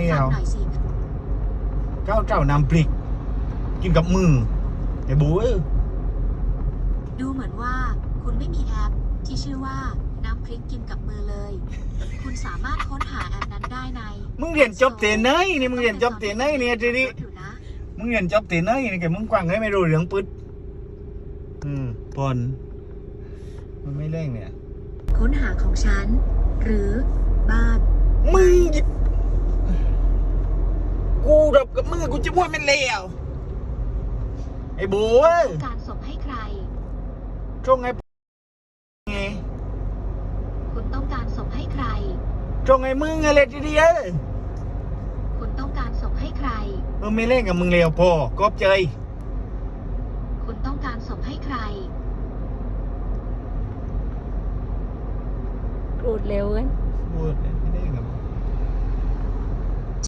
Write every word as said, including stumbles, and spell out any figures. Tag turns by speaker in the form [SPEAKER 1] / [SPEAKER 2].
[SPEAKER 1] ฟังหน่อยสิ
[SPEAKER 2] ข้าวเจ้าน้ำพริกกินกับมือไอ้บู๊
[SPEAKER 1] ดูเหมือนว่าคุณไม่มีแอปที่ชื่อว่าน้ำพริกกินกับมือเลยคุณสามารถค้นหาแอปนั้นได้ใน
[SPEAKER 2] มึงเรียนจบเตนไหนนี่มึงเรียนจบเตนไหนเนี่ยทีนี้มึงเรียนจบเตนไหนนี่แกมึงกว้างให้ไม่รู้เรื่องปึ๊ดอืมปอนมันไม่เร่งเนี่ย
[SPEAKER 1] ค้นหาของฉันหรือบ้าน
[SPEAKER 2] มึงหยิบกูดับกับมึงกูจะพูดมันเลวไอ้บู๊
[SPEAKER 1] การส่งให้ใคร
[SPEAKER 2] ช่วงไอ้ไง
[SPEAKER 1] คุณต้องการส่งให้ใคร
[SPEAKER 2] ช่วงไอ้มึงอะไรทีเดียว
[SPEAKER 1] คุณต้องการส่งให้ใคร
[SPEAKER 2] มึงไม่เล่นกับมึงเลวพอกอบเจย
[SPEAKER 1] คุณต้องการส่งให้ใคร
[SPEAKER 3] พูดเร็วกัน
[SPEAKER 2] พูด